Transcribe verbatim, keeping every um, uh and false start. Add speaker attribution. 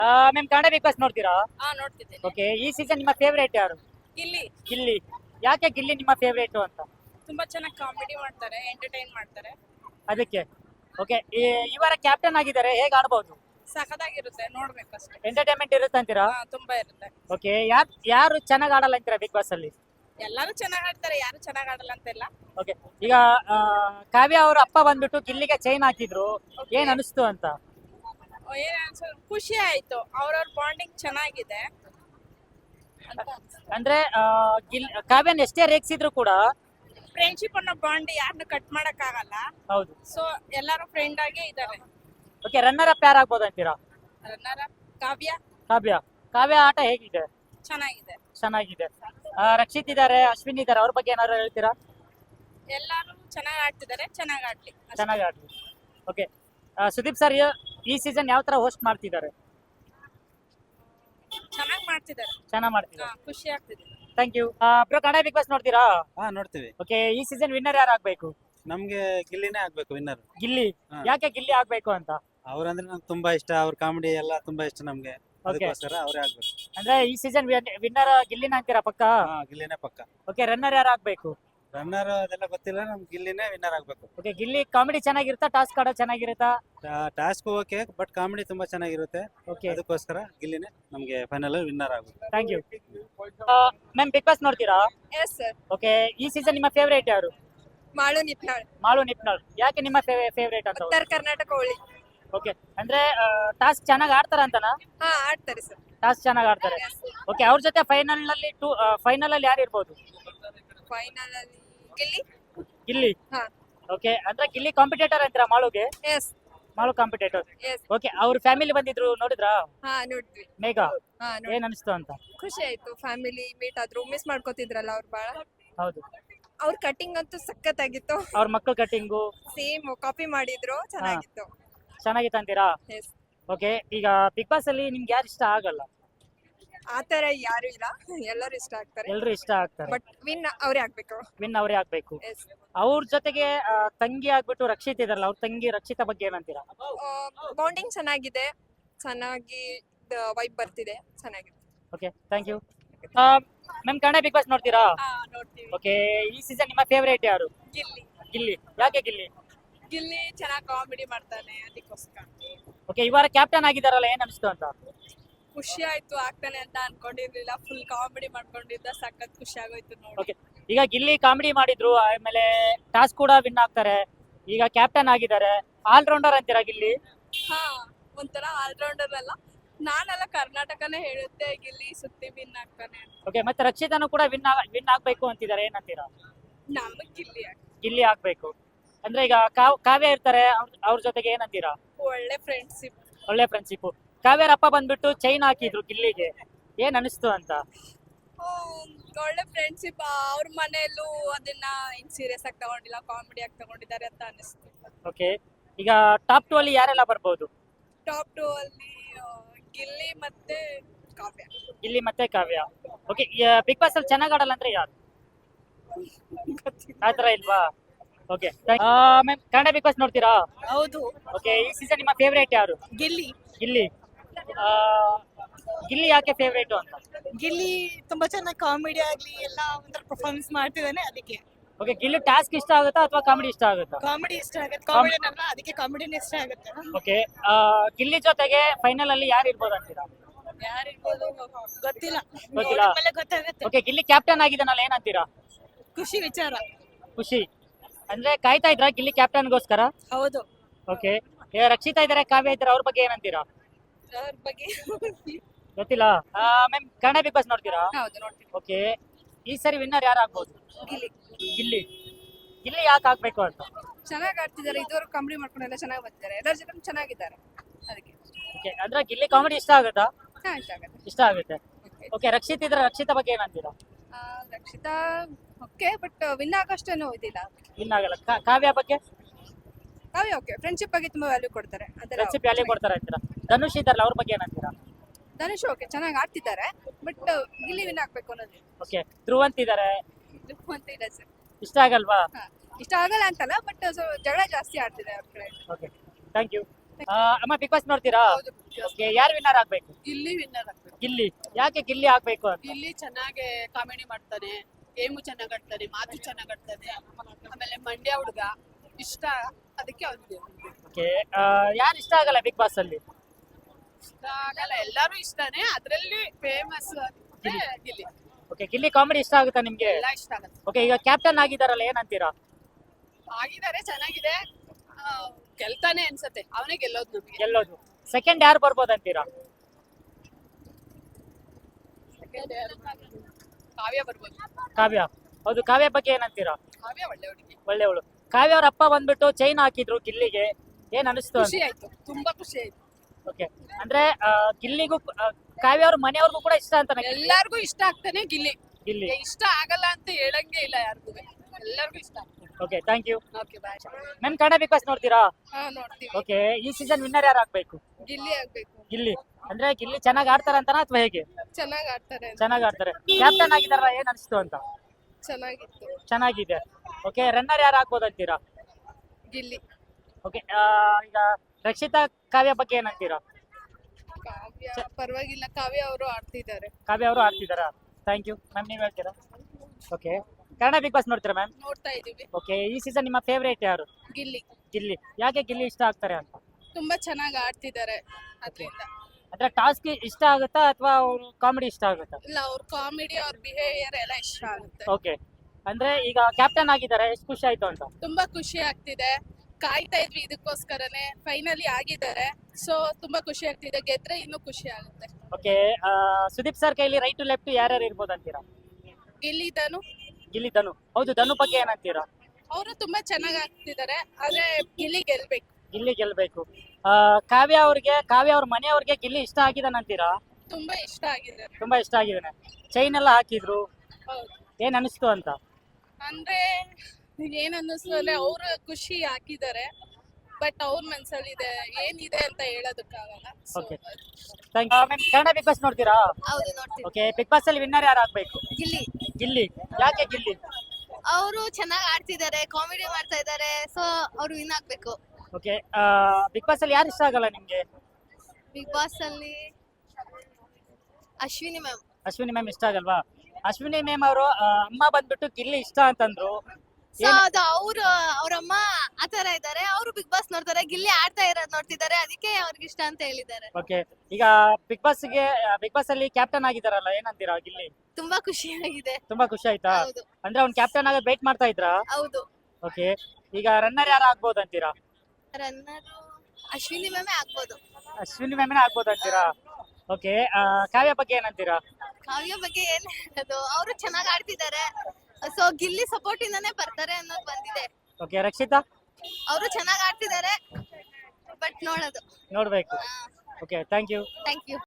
Speaker 1: Ma'am Kannada Bigg Boss ನೋಡ್ತೀರಾ?
Speaker 2: ಹಾ ನೋಡ್ತಿದ್ದೇನೆ.
Speaker 1: ಓಕೆ, ಈ ಸೀಸನ್ ನಿಮ್ಮ ಫೇವರೇಟ್ ಯಾರು?
Speaker 2: ಗಿಲ್ಲಿ
Speaker 1: ಗಿಲ್ಲಿ. ಯಾಕೆ ಗಿಲ್ಲಿ ನಿಮ್ಮ ಫೇವರೇಟ್ ಅಂತ?
Speaker 2: ತುಂಬಾ ಚೆನ್ನಾಗಿ ಕಾಮಿಡಿ ಮಾಡ್ತಾರೆ, ಎಂಟರ್ಟೈನ್ ಮಾಡ್ತಾರೆ,
Speaker 1: ಅದಕ್ಕೆ. ಓಕೆ, ಈ ವಾರ ಕ್ಯಾಪ್ಟನ್ ಆಗಿದ್ದಾರೆ, ಹೇಗೆ ಆಡ್ಬೋದು?
Speaker 2: ಸಖತ್ತಾಗಿರುತ್ತೆ, ನೋಡ್ಬೇಕಷ್ಟೇ.
Speaker 1: ಎಂಟರ್ಟೈನ್ಮೆಂಟ್ ಇರುತ್ತೆ ಅಂತೀರಾ?
Speaker 2: ಹಾ ತುಂಬಾ ಇರುತ್ತೆ.
Speaker 1: ಓಕೆ, ಯಾರು ಯಾರು ಚೆನ್ನಾಗಿ ಆಡಲ್ಲ ಅಂತೀರಾ ಬಿಗ್ ಬಾಸ್ ಅಲ್ಲಿ?
Speaker 2: ಎಲ್ಲರೂ ಚೆನ್ನಾಗಿ ಆಡ್ತಾರೆ, ಯಾರು ಚೆನ್ನಾಗಿ ಆಡಲ್ಲ ಅಂತೆಲ್ಲ.
Speaker 1: ಓಕೆ, ಈಗ ಆ, ಕಾವ್ಯ ಅವ್ರ ಅಪ್ಪ ಬಂದ್ಬಿಟ್ಟು ಗಿಲ್ಲಿಗೆ ಚೈನ್ ಹಾಕಿದ್ರು,
Speaker 2: Okay.
Speaker 1: ಏನ್ ಅನಿಸ್ತು ಅಂತ?
Speaker 2: ಏನ್ ಅನ್ಸೋದು, ಖುಷಿ ಆಯ್ತು, ಅವ್ರವ್ರ ಬಾಂಡಿಂಗ್ ಚೆನ್ನಾಗಿದೆ ಅಂತ ಅನ್ಸ್ತು.
Speaker 1: ಅಂದ್ರೆ ಆ, ಗಿಲ್ ಕಾವ್ಯನ್ ಎಷ್ಟೇ ರೇಗಿಸಿದ್ರು ಕೂಡ.
Speaker 2: ಫ್ರೆಂಡ್ಶಿಪ್ ಅನ್ನೋ ಬಾಂಡ್ ಯಾರನ್ನ ಕಟ್ ಮಾಡಕ್ ಆಗಲ್ಲ.
Speaker 1: ಹೌದು.
Speaker 2: ಸೊ ಎಲ್ಲರೂ ಫ್ರೆಂಡ್ ಆಗೇ ಇದ್ದಾರೆ.
Speaker 1: ಓಕೆ, ರನ್ನರ್ ಅಪ್ ಯಾರು ಆಗ್ಬೋದು ಅಂತೀರಾ?
Speaker 2: ರನ್ನರ ಕಾವ್ಯ
Speaker 1: ಕಾವ್ಯ. ಕಾವ್ಯ ಆಟ ಹೇಗಿದೆ?
Speaker 2: ಚೆನ್ನಾಗಿದೆ.
Speaker 1: ಚೆನ್ನಾಗಿದೆ. ಆ, ರಕ್ಷಿತ್ ಇದಾರೆ, ಅಶ್ವಿನ್ ಇದಾರೆ, ಅವ್ರ ಬಗ್ಗೆ ಏನಾದ್ರು ಹೇಳ್ತೀರಾ?
Speaker 2: ಎಲ್ಲಾರು ಚೆನ್ನಾಗಿ ಆಡ್ತಿದ್ದಾರೆ, ಚೆನ್ನಾಗಿ ಆಡ್ಲಿ ಅಷ್ಟೇ.
Speaker 1: ಚೆನ್ನಾಗಿ ಆಡ್ಲಿ. ಓಕೆ, ಸುದೀಪ್ ಸರ್ ಈ ಸೀಸನ್ ಯಾವ ತರ ಹೋಸ್ಟ್ ಮಾಡ್ತಿದ್ದಾರೆ?
Speaker 2: ಚೆನ್ನಾಗಿ ಮಾಡ್ತಿದ್ದಾರೆ.
Speaker 1: ಚೆನ್ನಾಗಿ
Speaker 2: ಹಾ,
Speaker 1: ಮಾಡ್ತಿದ್ದಾರೆ.
Speaker 2: ಖುಷಿ ಆಗ್ತಿದೆ.
Speaker 1: Thank you. Bro, Kannada Bigg Boss ನೋಡ್ತೀರಾ?
Speaker 3: ಹಾ ನೋಡ್ತೀವಿ.
Speaker 1: ಓಕೆ, ಈ ಸೀಸನ್ ವಿನ್ನರ್ ಯಾರು ಆಗ್ಬೇಕು?
Speaker 3: ನಮ್ಗೆ ಗಿಲ್ಲಿನೇ ಆಗ್ಬೇಕು ವಿನ್ನರ್.
Speaker 1: ಗಿಲ್ಲಿ.
Speaker 3: ಹಾ.
Speaker 1: ಯಾಕೆ ಗಿಲ್ಲಿ ಆಗ್ಬೇಕು ಅಂತ?
Speaker 3: ಅವ್ರಂದ್ರೆ ನಂಗೆ ತುಂಬಾ ಇಷ್ಟ, ಅವ್ರ ಕಾಮಿಡಿ ಎಲ್ಲ ತುಂಬಾ ಇಷ್ಟ ನಮ್ಗೆ. ಅದಕ್ಕೋಸ್ಕರ ಅವರೇ ಆಗ್ಬೇಕು.
Speaker 1: ಅಂದ್ರೆ ಈ ಸೀಸನ್ ವಿನ್ನರ್ ಗಿಲ್ಲಿನ ಅಂತೀರಾ ಪಕ್ಕ?
Speaker 3: ಹಾ ಗಿಲ್ಲಿನೇ ಪಕ್ಕ.
Speaker 1: ಓಕೆ, ರನ್ನರ್ ಯಾರು ಆಗ್ಬೇಕು?
Speaker 3: ರನ್ನರ್ ಅದೆಲ್ಲ ಗೊತ್ತಿಲ್ಲ, ನಮ್ಗೆ ಗಿಲ್ಲಿನೇ ವಿನ್ನರ್ ಆಗ್ಬೇಕು.
Speaker 1: ಓಕೆ, ಗಿಲ್ಲಿ ಕಾಮಿಡಿ ಚೆನ್ನಾಗಿರುತ್ತಾ, ಟಾಸ್ಕ್ ಆಡೋ ಚೆನ್ನಾಗಿರುತ್ತಾ?
Speaker 3: ಟಾಸ್ಕ್ ಓಕೆ, ಬಟ್ ಕಾಮಿಡಿ ತುಂಬಾ ಚೆನ್ನಾಗಿರುತ್ತೆ.
Speaker 1: ಓಕೆ,
Speaker 3: ಅದಕ್ಕೋಸ್ಕರ ಗಿಲ್ಲಿನೇ ನಮ್ಗೆ ಫೈನಲ್ ವಿನ್ನರ್ ಆಗ್ಬೇಕು.
Speaker 1: Thank you. Ma'am, Bigg Boss ನೋಡ್ತೀರಾ?
Speaker 2: Yes sir.
Speaker 1: ಓಕೆ, ಈ ಸೀಸನ್ ನಿಮ್ಮ ಫೇವರೇಟ್ ಯಾರು?
Speaker 2: ಮಾಳು ನಿಪ್ನಾಳ್,
Speaker 1: ಮಾಳು ನಿಪ್ನಾಳ್. ಯಾಕೆ ನಿಮ್ಮ ಫೇವರೇಟ್ ಅಂತ?
Speaker 2: ಉತ್ತರ ಕರ್ನಾಟಕ ಹೋಳಿ.
Speaker 1: ಓಕೆ, ಅಂದ್ರೆ ಟಾಸ್ಕ್ ಚೆನ್ನಾಗಿ ಆಡ್ತಾರ ಅಂತನಾ?
Speaker 2: ಹಾ ಆಡ್ತಾರೆ ಸರ್.
Speaker 1: ಟಾಸ್ಕ್ ಚೆನ್ನಾಗಿ ಆಡ್ತಾರೆ. ಓಕೆ, ಅವ್ರ ಜೊತೆ ಫೈನಲ್ ಅಲ್ಲಿ ಟೂ ಫೈನಲ್ ಅಲ್ಲಿ ಯಾರು ಇರ್ಬೋದು?
Speaker 2: ಫೈನಲ್ ಅಲ್ಲಿ ಗಿಲ್ಲಿ.
Speaker 1: ಗಿಲ್ಲಿ.
Speaker 2: ಹಾ
Speaker 1: ಓಕೆ, ಅಂದ್ರೆ ಗಿಲ್ಲಿ ಕಾಂಪಿಟೇಟರ್ ಅಂತೀರಾ ಮಾಳುಗೆ?
Speaker 2: Yes
Speaker 1: Malu competitor.
Speaker 2: Yes.
Speaker 1: Okay, ಅವ್ರ ಫ್ಯಾಮಿಲಿ ಬಂದಿದ್ರು, ನೋಡಿದ್ರಾ?
Speaker 2: ಹಾ ನೋಡ್ವಿ.
Speaker 1: ಮೇಘಾ.
Speaker 2: ಹಾ ನೋಡ್
Speaker 1: ಏನ್ ಅನಿಸ್ತು ಅಂತ?
Speaker 2: ಖುಷಿ ಆಯ್ತು, ಫ್ಯಾಮಿಲಿ ಮೀಟ್ ಆದ್ರು, ಮಿಸ್ ಮಾಡ್ಕೋತಿದ್ರಲ್ಲ ಅವ್ರು ಬಾಳ.
Speaker 1: ಹೌದು.
Speaker 2: ಅವ್ರ ಕಟಿಂಗ್ ಅಂತೂ ಸಖತ್ತಾಗಿತ್ತು.
Speaker 1: ಅವ್ರ ಮಕ್ಕಳ ಕಟಿಂಗು
Speaker 2: ಸೇಮ್ ಕಾಪಿ ಮಾಡಿದ್ರು, ಚೆನ್ನಾಗಿತ್ತು.
Speaker 1: ಚೆನ್ನಾಗಿತ್ತು ಅಂತೀರಾ?
Speaker 2: ಎಸ್.
Speaker 1: ಓಕೆ, ಈಗ ಬಿಗ್ ಬಾಸ್ ಅಲ್ಲಿ ನಿಮ್ಗೆ ಯಾರು ಇಷ್ಟ ಆಗಲ್ಲ?
Speaker 2: ಆತರ ಯಾರು ಇಲ್ಲ, ಎಲ್ಲರೂ ಇಷ್ಟ ಆಗ್ತಾರೆ.
Speaker 1: ಎಲ್ರು ಇಷ್ಟ ಆಗ್ತಾರೆ,
Speaker 2: ಬಟ್ ವಿನ್ ಅವ್ರೇ ಆಗ್ಬೇಕು.
Speaker 1: ವಿನ್ ಅವರೇ ಆಗ್ಬೇಕು.
Speaker 2: ಎಸ್.
Speaker 1: ಅವ್ರ ಜೊತೆಗೆ ಆ, ತಂಗಿ ಆಗ್ಬಿಟ್ಟು ರಕ್ಷಿತ್ ಇದಾರಲ್ಲ, ಅವ್ರ ತಂಗಿ ರಕ್ಷಿತಾ ಬಗ್ಗೆ ಏನಂತೀರಾ?
Speaker 2: ಬಾಂಡಿಂಗ್ ಚೆನ್ನಾಗಿದೆ, ಚೆನ್ನಾಗಿ ವೈಬ್ ಬರ್ತಿದೆ, ಚೆನ್ನಾಗಿದೆ.
Speaker 1: Okay, thank you. Ma'am, Kannada Bigg Boss ನೋಡ್ತೀರಾ?
Speaker 2: ಹಾ ನೋಡ್ತೀವಿ.
Speaker 1: ಓಕೆ, ಈ ಸೀಸನ್ ನಿಮ್ಮ ಫೇವರೇಟ್ ಯಾರು?
Speaker 2: ಗಿಲ್ಲಿ.
Speaker 1: ಗಿಲ್ಲಿ. ಯಾಕೆ ಗಿಲ್ಲಿ?
Speaker 2: ಗಿಲ್ಲಿ ಚೆನ್ನಾಗಿ ಕಾಮಿಡಿ ಮಾಡ್ತಾನೆ, ಅದಕ್ಕೋಸ್ಕರ.
Speaker 1: ಓಕೆ, ಈ ವಾರ ಕ್ಯಾಪ್ಟನ್ ಆಗಿದಾರಲ್ಲ, ಏನ್ ಅನಿಸ್ತು ಅಂತ?
Speaker 2: ಖುಷಿ ಆಯ್ತು, ಆಗ್ತಾನೆ ಅಂತ ಅನ್ಕೊಂಡಿರ್ಲಿಲ್ಲ. ಫುಲ್ ಕಾಮಿಡಿ ಮಾಡ್ಕೊಂಡಿದ್ದ, ಸಖತ್ ಖುಷಿ ಆಗೋಯ್ತು ನೋಡಿ.
Speaker 1: ಓಕೆ, ಈಗ ಗಿಲ್ಲಿ ಕಾಮಿಡಿ ಮಾಡಿದ್ರು, ಆಮೇಲೆ ಟಾಸ್ಕ್ ಕೂಡ ವಿನ್ ಆಗ್ತಾರೆ, ಈಗ ಕ್ಯಾಪ್ಟನ್ ಆಗಿದ್ದಾರೆ, ಆಲ್ ರೌಂಡರ್ ಅಂತೀರಾ ಗಿಲ್ಲಿ?
Speaker 2: ಹಾ ಒಂಥರ ಆಲ್ರೌಂಡರ್ ಅಲ್ಲ, ನಾನೆಲ್ಲ ಕರ್ನಾಟಕನೇ ಹೇಳುತ್ತೆ ಗಿಲ್ಲಿ ಸುತ್ತಿ ವಿನ್ ಆಗ್ತಾನೆ ಅಂತ.
Speaker 1: ಓಕೆ, ಮತ್ತೆ ರಕ್ಷಿತಾನು ಕೂಡ ವಿನ್ ವಿನ್ ಆಗ್ಬೇಕು ಅಂತಿದ್ದಾರೆ, ಏನಂತೀರಾ?
Speaker 2: ನಮಗ್ ಗಿಲ್ಲಿ ಆಗ್-
Speaker 1: ಗಿಲ್ಲಿ ಆಗ್ಬೇಕು ಅಂದ್ರೆ ಈಗ ಕಾವ್- ಕಾವ್ಯ ಇರ್ತಾರೆ, ಅವ್ರ ಅವ್ರ ಜೊತೆಗೆ ಏನಂತೀರಾ?
Speaker 2: ಒಳ್ಳೆ ಫ್ರೆಂಡ್ಶಿಪ್.
Speaker 1: ಒಳ್ಳೆ ಫ್ರೆಂಡ್ಶಿಪ್. ಕಾವ್ಯರ ಅಪ್ಪ ಬಂದ್ಬಿಟ್ಟು ಚೈನ್ ಹಾಕಿದ್ರು ಗಿಲ್ಲಿಗೆ, ಏನ್ ಅನಿಸ್ತು ಅಂತ?
Speaker 2: ಒಳ್ಳೆ ಫ್ರೆಂಡ್ಶಿಪ್. ಅವ್ರ ಮನೆಯಲ್ಲೂ ಅದನ್ನ ಹಿಂಗ್ ಸೀರಿಯಸ್ ಆಗಿ ತಗೊಂಡಿಲ್ಲ, ಕಾಮಿಡಿ ಆಗಿ ತಗೊಂಡಿದ್ದಾರೆ ಅಂತ ಅನಿಸ್ತು.
Speaker 1: ಓಕೆ, ಈಗ ಟಾಪ್ ಟು ಅಲ್ಲಿ ಯಾರೆಲ್ಲ ಬರ್ಬೋದು?
Speaker 2: ಟಾಪ್ ಟು ಅಲ್ಲಿ ಆ, ಗಿಲ್ಲಿ ಮತ್ತೆ ಕಾವ್ಯ.
Speaker 1: ಗಿಲ್ಲಿ ಮತ್ತೆ ಕಾವ್ಯ. ಓಕೆ, ಬಿಗ್ ಬಾಸ್ ಅಲ್ಲಿ ಚೆನ್ನಾಗ್ ಆಡಲ್ಲ ಅಂದ್ರೆ ಯಾರು? ಆತರ ಇಲ್ವಾ? Okay, ma'am, Kannada Bigg Boss ನೋಡ್ತೀರಾ?
Speaker 2: ಹೌದು.
Speaker 1: ಓಕೆ, ಈ ಸೀಸನ್ ನಿಮ್ಮ ಫೇವರೇಟ್ ಯಾರು?
Speaker 2: ಗಿಲ್ಲಿ.
Speaker 1: ಗಿಲ್ಲಿ. ಆ, ಗಿಲ್ಲಿ ಯಾಕೆ ಫೇವರೇಟ್ ಅಂತ?
Speaker 2: ಗಿಲ್ಲಿ ತುಂಬಾ ಚೆನ್ನಾಗಿ ಕಾಮಿಡಿ ಆಗ್ಲಿ ಎಲ್ಲ ಒಂಥರ ಪರ್ಫಾರ್ಮೆನ್ಸ್ ಮಾಡ್ತಿದ್ದಾನೆ, ಅದಕ್ಕೆ.
Speaker 1: ಓಕೆ, ಗಿಲ್ಲಿ ಟಾಸ್ಕ್ ಇಷ್ಟ ಆಗುತ್ತಾ ಅಥವಾ ಕಾಮಿಡಿ ಇಷ್ಟ ಆಗುತ್ತಾ?
Speaker 2: ಕಾಮಿಡಿ ಇಷ್ಟ ಆಗುತ್ತೆ, ಕಾಮಿಡಿ ಅಲ್ಲ ಅದಕ್ಕೆ ಕಾಮಿಡಿನೇ ಇಷ್ಟ ಆಗುತ್ತೆ.
Speaker 1: ಓಕೆ, ಗಿಲ್ಲಿ ಜೊತೆಗೆ ಫೈನಲ್ ಅಲ್ಲಿ ಯಾರು ಇರ್ಬೋದು ಅಂತೀರಾ?
Speaker 2: ಯಾರಿರ್ಬೋದು ಗೊತ್ತಿಲ್ಲ,
Speaker 1: ಗೊತ್ತಿಲ್ಲ.
Speaker 2: ನೋಡಿದ್ಮೇಲೆ ಗೊತ್ತಾಗುತ್ತೆ.
Speaker 1: ಓಕೆ, ಗಿಲ್ಲಿ ಕ್ಯಾಪ್ಟನ್ ಆಗಿದ್ದಾನಲ್ಲ, ಏನಂತೀರಾ?
Speaker 2: ಖುಷಿ ವಿಚಾರ.
Speaker 1: ಖುಷಿ ಅಂದ್ರೆ ಕಾಯ್ತಾ ಇದ್ರ ಗಿಲ್ಲಿ ಕ್ಯಾಪ್ಟನ್ಗೋಸ್ಕರ?
Speaker 2: ಹೌದು.
Speaker 1: ಓಕೆ, ರಕ್ಷಿತಾ ಇದಾರೆ, ಕಾವ್ಯ ಇದಾರೆ, ಅವ್ರ ಬಗ್ಗೆ ಏನಂತೀರಾ?
Speaker 2: ಅವ್ರ ಬಗ್ಗೆ
Speaker 1: ಗೊತ್ತಿಲ್ಲ. ಮ್ಯಾಮ್, ಕನ್ನಡ ಬಿಗ್ ಬಾಸ್ ನೋಡ್ತೀರಾ?
Speaker 2: ಹೌದು ನೋಡ್ತೀನಿ.
Speaker 1: ಓಕೆ, ಈ ಸರಿ ವಿನ್ನರ್ ಯಾರು ಆಗ್ಬೋದು?
Speaker 2: ಗಿಲ್ಲಿ.
Speaker 1: ಗಿಲ್ಲಿ. ಗಿಲ್ಲಿ ಯಾಕೆ ಆಗ್ಬೇಕು ಅಂತ?
Speaker 2: ಚೆನ್ನಾಗಿ ಆಡ್ತಿದ್ದಾರೆ, ಇದುವರೆಗೂ ಕಾಮಿಡಿ ಮಾಡ್ಕೊಂಡೆಲ್ಲ ಚೆನ್ನಾಗಿ ಬರ್ತಿದ್ದಾರೆ, ಎಲ್ಲರ ಜೊತೆ ಚೆನ್ನಾಗಿದ್ದಾರೆ, ಅದಕ್ಕೆ.
Speaker 1: ಓಕೆ, ಅಂದ್ರೆ ಗಿಲ್ಲಿ ಕಾಮಿಡಿ ಇಷ್ಟ ಆಗುತ್ತಾ?
Speaker 2: ಹಾ ಇಷ್ಟ ಆಗುತ್ತೆ.
Speaker 1: ಇಷ್ಟ ಆಗುತ್ತೆ. ಓಕೆ, ರಕ್ಷಿತ್ ಇದ್ರೆ ರಕ್ಷಿತಾ ಬಗ್ಗೆ ಏನಂತೀರಾ?
Speaker 2: ಆ, ರಕ್ಷಿತಾ ಓಕೆ, ಬಟ್ ವಿನ್ ಆಗೋಷ್ಟೇನು ಇದಿಲ್ಲ.
Speaker 1: ವಿನ್ ಆಗಲ್ಲ. ಕಾ- ಕಾವ್ಯ ಬಗ್ಗೆ
Speaker 2: ಕಾವ್ಯ ಓಕೆ, ಫ್ರೆಂಡ್ಶಿಪ್ ಬಗ್ಗೆ ತುಂಬಾ ವ್ಯಾಲ್ಯೂ ಕೊಡ್ತಾರೆ, ಅದೆಲ್ಲ
Speaker 1: ಫ್ರೆಂಡ್ಶಿಪ್ ವ್ಯಾಲ್ಯೂ ಕೊಡ್ತಾರೆ ಅಂತೀರಾ? ಧನುಷ್ ಇದಾರಲ್ಲ, ಅವ್ರ ಬಗ್ಗೆ ಏನಂತೀರಾ?
Speaker 2: ಧನುಷ್ ಓಕೆ ಚೆನ್ನಾಗಿ ಆಡ್ತಿದ್ದಾರೆ, ಬಟ್ ಗಿಲ್ಲಿ ವಿನ್ ಆಗ್ಬೇಕು ಅನ್ನೋದು
Speaker 1: ಓಕೆ, ಧ್ರುವಂತ್ ಇದಾರೆ,
Speaker 2: ಅಂತ ಇಲ್ಲ ಸರ್.
Speaker 1: ಇಷ್ಟ ಆಗಲ್ವಾ?
Speaker 2: ಹಾ ಇಷ್ಟ ಆಗಲ್ಲ ಅಂತಲ್ಲ, ಬಟ್ ಜಗಳ ಜಾಸ್ತಿ ಆಡ್ತಿದೆ ಅವ್ರ ಕಡೆ.
Speaker 1: Okay, thank you. ಅಮ್ಮ, ಬಿಗ್ ಬಾಸ್ ನೋಡ್ತೀರಾ?
Speaker 2: ಹೌದು.
Speaker 1: ಓಕೆ ಯಾರು ವಿನ್ನರ್ ಆಗ್ಬೇಕು?
Speaker 4: ಗಿಲ್ಲಿ ವಿನ್ನರ್ ಆಗ್ಬೇಕು.
Speaker 1: ಗಿಲ್ಲಿ. ಯಾಕೆ ಗಿಲ್ಲಿ ಆಗ್ಬೇಕು ಅಂತ?
Speaker 4: ಗಿಲ್ಲಿ ಚೆನ್ನಾಗಿ ಕಾಮಿಡಿ ಮಾಡ್ತಾನೆ, ಗೇಮು ಚೆನ್ನಾಗ್ ಆಡ್ತಾನೆ, ಮಾತು ಚೆನ್ನಾಗ್ ಆಡ್ತಾನೆ. ಆಮೇಲೆ ಮಂಡ್ಯ ಹುಡುಗ ಇಷ್ಟ, ಅದಕ್ಕೆ ಅವ್ನಿಗೆ
Speaker 1: ಓಕೆ ಯಾರು ಇಷ್ಟ ಆಗಲ್ಲ ಬಿಗ್ ಬಾಸ್ ಅಲ್ಲಿ?
Speaker 4: ಇಷ್ಟ ಆಗಲ್ಲ, ಎಲ್ಲಾರು ಇಷ್ಟನೇ, ಅದ್ರಲ್ಲಿ famous Gilli.
Speaker 1: Okay Gilli comedy ಇಷ್ಟ ಆಗುತ್ತಾ ನಿಮ್ಗೆ?
Speaker 4: ಎಲ್ಲ ಇಷ್ಟ ಆಗತ್ತೆ.
Speaker 1: ಓಕೆ ಈಗ ಕ್ಯಾಪ್ಟನ್ ಆಗಿದಾರಲ್ಲ ಏನಂತೀರಾ?
Speaker 4: ಆಗಿದ್ದಾರೆ, ಚೆನ್ನಾಗಿದೆ. ಆ, ಗೆಲ್ತಾನೆ ಅನ್ಸತ್ತೆ, ಅವನೇ ಗೆಲ್ಲೋದು ನಮ್ಗೆ.
Speaker 1: ಗೆಲ್ಲೋದು. ಸೆಕೆಂಡ್ ಯಾರು ಬರ್ಬೋದು ಅಂತೀರಾ?
Speaker 4: ಕಾವ್ಯ ಬರ್ಬೋದು.
Speaker 1: ಕಾವ್ಯ. ಹೌದು, ಕಾವ್ಯ ಬಗ್ಗೆ ಏನಂತೀರಾ?
Speaker 4: ಕಾವ್ಯ ಒಳ್ಳೆ ಹುಡುಗಿ,
Speaker 1: ಒಳ್ಳೆವಳು. ಕಾವ್ಯ ಅವ್ರ ಅಪ್ಪ ಬಂದ್ಬಿಟ್ಟು ಚೈನ್ ಹಾಕಿದ್ರು ಗಿಲ್ಲಿಗೆ, ಏನ್ ಅನಿಸ್ತು ಅಂತ?
Speaker 4: ಖುಷಿ ಆಯ್ತು, ತುಂಬಾ ಖುಷಿ ಆಯ್ತು.
Speaker 1: ಓಕೆ ಅಂದ್ರೆ ಆ, ಗಿಲ್ಲಿಗೂ ಆ, ಕಾವ್ಯ ಅವ್ರ ಮನೆಯವ್ರಿಗೂ ಕೂಡ ಇಷ್ಟ ಅಂತ
Speaker 4: ಎಲ್ಲಾರ್ಗು ಇಷ್ಟ ಆಗ್ತಾನೆ ಗಿಲ್ಲಿ.
Speaker 1: ಗಿಲ್ಲಿ.
Speaker 4: ಇಷ್ಟ ಆಗಲ್ಲ ಅಂತ ಹೇಳಂಗೆ ಇಲ್ಲ ಯಾರಿಗೂ, ಎಲ್ಲರಿಗೂ ಇಷ್ಟ.
Speaker 1: Okay thank you.
Speaker 4: Okay bye.
Speaker 1: Ma'am Kannada Bigg Boss ನೋಡ್ತೀರಾ?
Speaker 2: ಹಾ ನೋಡ್ತೀವಿ.
Speaker 1: ಓಕೆ ಈ ಸೀಸನ್ ವಿನ್ನರ್ ಯಾರು ಆಗ್ಬೇಕು?
Speaker 2: ಗಿಲ್ಲಿ ಆಗ್ಬೇಕು.
Speaker 1: ಗಿಲ್ಲಿ. ಅಂದ್ರೆ ಗಿಲ್ಲಿ ಚೆನ್ನಾಗಿ ಆಡ್ತಾರ ಅಂತನಾ ಅಥವಾ ಹೇಗೆ?
Speaker 2: ಚೆನ್ನಾಗ್ ಆಡ್ತಾರೆ ಅಂತ.
Speaker 1: ಚೆನ್ನಾಗಿ ಆಡ್ತಾರೆ. ಕ್ಯಾಪ್ಟನ್ ಆಗಿದಾರಲ್ಲ ಏನ್ ಅನಿಸ್ತು ಅಂತ?
Speaker 2: ಚೆನ್ನಾಗಿತ್ತು.
Speaker 1: ಚೆನ್ನಾಗಿದೆ. ಓಕೆ ರನ್ನರ್ ಯಾರು ಆಗ್ಬೋದು ಅಂತೀರಾ?
Speaker 2: ಗಿಲ್ಲಿ.
Speaker 1: ಓಕೆ ಈಗ ರಕ್ಷಿತಾ ಕಾವ್ಯ ಬಗ್ಗೆ ಏನಂತೀರಾ?
Speaker 2: ಕಾವ್ಯ ಪರವಾಗಿಲ್ಲ, ಕಾವ್ಯ ಅವರು ಆಡ್ತಿದ್ದಾರೆ.
Speaker 1: ಕಾವ್ಯ ಅವರು ಆಡ್ತಿದಾರಾ? Thank you ma'am. ನೀವು ಹೇಳ್ತೀರಾ? ಓಕೆ ಕನ್ನಡ ಬಿಗ್ ಬಾಸ್ ನೋಡ್ತೀರಾ ಮ್ಯಾಮ್?
Speaker 2: ನೋಡ್ತಾ ಇದೀವಿ.
Speaker 1: ಓಕೆ ಈ ಸೀಸನ್ ನಿಮ್ಮ ಫೇವರೇಟ್ ಯಾರು?
Speaker 2: ಗಿಲ್ಲಿ.
Speaker 1: ಗಿಲ್ಲಿ. ಯಾಕೆ ಗಿಲ್ಲಿ ಇಷ್ಟ ಆಗ್ತಾರೆ ಅಂತ?
Speaker 2: ತುಂಬಾ ಚೆನ್ನಾಗ್ ಆಡ್ತಿದ್ದಾರೆ ಅದ್ರಿಂದ.
Speaker 1: ಅಂದ್ರೆ ಟಾಸ್ಕ್ ಇಷ್ಟ ಆಗುತ್ತಾ ಅಥವಾ ಅವ್ರ ಕಾಮಿಡಿ ಇಷ್ಟ ಆಗುತ್ತಾ?
Speaker 2: ಇಲ್ಲ, ಅವ್ರ ಕಾಮಿಡಿ, ಅವ್ರ ಬಿಹೇವಿಯರ್ ಎಲ್ಲ ಇಷ್ಟ ಆಗುತ್ತೆ.
Speaker 1: ಓಕೆ ಅಂದ್ರೆ ಈಗ ಕ್ಯಾಪ್ಟನ್ ಆಗಿದ್ದಾರೆ, ಎಷ್ಟು ಖುಷಿ ಆಯ್ತು ಅಂತ?
Speaker 2: ತುಂಬಾ ಖುಷಿ ಆಗ್ತಿದೆ. ಕಾಯ್ತಾ ಇದ್ವಿ ಇದಕ್ಕೋಸ್ಕರನೇ, ಫೈನಲಿ ಆಗಿದ್ದಾರೆ. ಸೊ ತುಂಬಾ ಖುಷಿ ಆಗ್ತಿದೆ. ಗೆದ್ರೆ ಇನ್ನೂ ಖುಷಿ ಆಗುತ್ತೆ.
Speaker 1: ಓಕೆ ಸುದೀಪ್ ಸರ್ ಕೈಲಿ ರೈಟ್ ಟು ಲೆಫ್ಟ್ ಯಾರ್ಯಾರು ಇರ್ಬೋದು ಅಂತೀರಾ?
Speaker 2: ಗಿಲ್ಲಿ, ಧನು.
Speaker 1: ಗಿಲ್ಲಿ, ಧನು. ಹೌದು, ಧನು ಬಗ್ಗೆ ಏನಂತೀರಾ?
Speaker 2: ಅವರು ತುಂಬಾ ಚೆನ್ನಾಗ್ ಆಗ್ತಿದ್ದಾರೆ, ಆದ್ರೆ ಗಿಲ್ಲಿ ಗೆಲ್ಬೇಕು.
Speaker 1: ಗಿಲ್ಲಿ ಗೆಲ್ಬೇಕು. ಆ, ಕಾವ್ಯ ಅವ್ರಿಗೆ, ಕಾವ್ಯ ಅವ್ರ ಮನೆಯವ್ರಿಗೆ ಗಿಲ್ಲಿ ಇಷ್ಟ ಆಗಿದಾನಂತೀರಾ?
Speaker 2: ತುಂಬಾ ಇಷ್ಟ ಆಗಿದೆ.
Speaker 1: ತುಂಬಾ ಇಷ್ಟ ಆಗಿದ್ದಾನೆ. ಚೈನ್ ಎಲ್ಲ ಹಾಕಿದ್ರು,
Speaker 2: ಹೌದು.
Speaker 1: ಏನ್ ಅನಿಸ್ತು ಅಂತ?
Speaker 2: ಅಂದ್ರೆ ಏನ್ ಅನ್ನಿಸ್ತು ಅಂದ್ರೆ ಅವ್ರ ಖುಷಿ ಹಾಕಿದ್ದಾರೆ, ಬಟ್ ಅವ್ರ ಮನ್ಸಲ್ಲಿ ಇದೆ, ಏನಿದೆ ಅಂತ ಹೇಳೋದಕ್ಕಾಗಲ್ಲ. So,
Speaker 1: Okay. Thank you. Ma'am Kannada Bigg Boss ನೋಡ್ತೀರಾ?
Speaker 5: ಹೌದು ನೋಡ್ತೀವಿ.
Speaker 1: ಓಕೆ ಬಿಗ್ ಬಾಸ್ ಅಲ್ಲಿ ವಿನ್ನರ್ ಯಾರು ಆಗ್ಬೇಕು?
Speaker 5: ಗಿಲ್ಲಿ.
Speaker 1: ಗಿಲ್ಲಿ. ಯಾಕೆ ಗಿಲ್ಲಿ?
Speaker 5: ಅವರು ಚೆನ್ನಾಗಿ ಆಡ್ತಿದ್ದಾರೆ, ಕಾಮಿಡಿ ಮಾಡ್ತಾ ಇದ್ದಾರೆ, ಸೊ ಅವ್ರು ವಿನ್ ಆಗ್ಬೇಕು.
Speaker 1: ಓಕೆ ಬಿಗ್ ಬಾಸ್ ಅಲ್ಲಿ ಯಾರು ಇಷ್ಟ ಆಗಲ್ಲ ನಿಮ್ಗೆ?
Speaker 5: ಬಿಗ್ ಬಾಸ್ ಅಲ್ಲಿ ಅಶ್ವಿನಿ ಮ್ಯಾಮ್.
Speaker 1: ಅಶ್ವಿನಿ ಮ್ಯಾಮ್ ಇಷ್ಟ ಆಗಲ್ವಾ? ಅಶ್ವಿನಿ ಮ್ಯಾಮ್ ಅವರು ಅಮ್ಮ ಬಂದ್ಬಿಟ್ಟು ಗಿಲ್ಲಿ ಇಷ್ಟ ಅಂತಂದ್ರು.
Speaker 5: ಸೊ ಅದು ಅವ್ರು ಅವ್ರಮ್ಮ ಆತರ ಇದ್ದಾರೆ, ಅವರು ಬಿಗ್ ಬಾಸ್ ನೋಡ್ತಾರೆ, ಗಿಲ್ಲಿ ಆಡ್ತಾ ಇರೋದ್ ನೋಡ್ತಿದ್ದಾರೆ, ಅದಕ್ಕೆ ಅವ್ರಿಗೆ ಇಷ್ಟ ಅಂತ ಹೇಳಿದ್ದಾರೆ.
Speaker 1: ಓಕೆ ಈಗ ಬಿಗ್ ಬಾಸ್ ಗೆ ಬಿಗ್ ಬಾಸ್ ಅಲ್ಲಿ ಕ್ಯಾಪ್ಟನ್ ಆಗಿದಾರಲ್ಲ, ಏನಂತೀರಾ ಗಿಲ್ಲಿ?
Speaker 5: ತುಂಬಾ ಖುಷಿಯಾಗಿದೆ.
Speaker 1: ತುಂಬಾ ಖುಷಿ ಆಯ್ತಾ?
Speaker 5: ಹೌದು
Speaker 1: ಅಂದ್ರೆ ಅವ್ನ್ ಕ್ಯಾಪ್ಟನ್ ಆಗೋದ್ ವೇಟ್ ಮಾಡ್ತಾ ಇದ್ರಾ?
Speaker 5: ಹೌದು.
Speaker 1: ಓಕೆ ಈಗ ರನ್ನರ್ ಯಾರು ಆಗ್ಬೋದು ಅಂತೀರಾ?
Speaker 5: ರನ್ನರು ಅಶ್ವಿನಿ ಮ್ಯಾಮೇ ಆಗ್ಬೋದು.
Speaker 1: ಅಶ್ವಿನಿ ಮ್ಯಾಮಿನ ಆಗ್ಬೋದು ಅಂತೀರಾ? ಓಕೆ ಕಾವ್ಯ ಬಗ್ಗೆ ಏನಂತೀರಾ?
Speaker 5: ಕಾವ್ಯ ಬಗ್ಗೆ ಏನ್ ಹೇಳೋದು, ಅವರು ಚೆನ್ನಾಗಿ ಆಡ್ತಿದ್ದಾರೆ, ಸೊ ಗಿಲ್ಲಿ ಸಪೋರ್ಟ್ ಇಂದಾನೆ ಬರ್ತಾರೆ ಅನ್ನೋದು ಬಂದಿದೆ.
Speaker 1: ಓಕೆ ರಕ್ಷಿತಾ?
Speaker 5: ಅವರು ಚೆನ್ನಾಗಿ ಆಡ್ತಿದ್ದಾರೆ, ಬಟ್ ನೋಡೋದು.
Speaker 1: ನೋಡ್ಬೇಕು. Okay thank you.
Speaker 5: Thank you.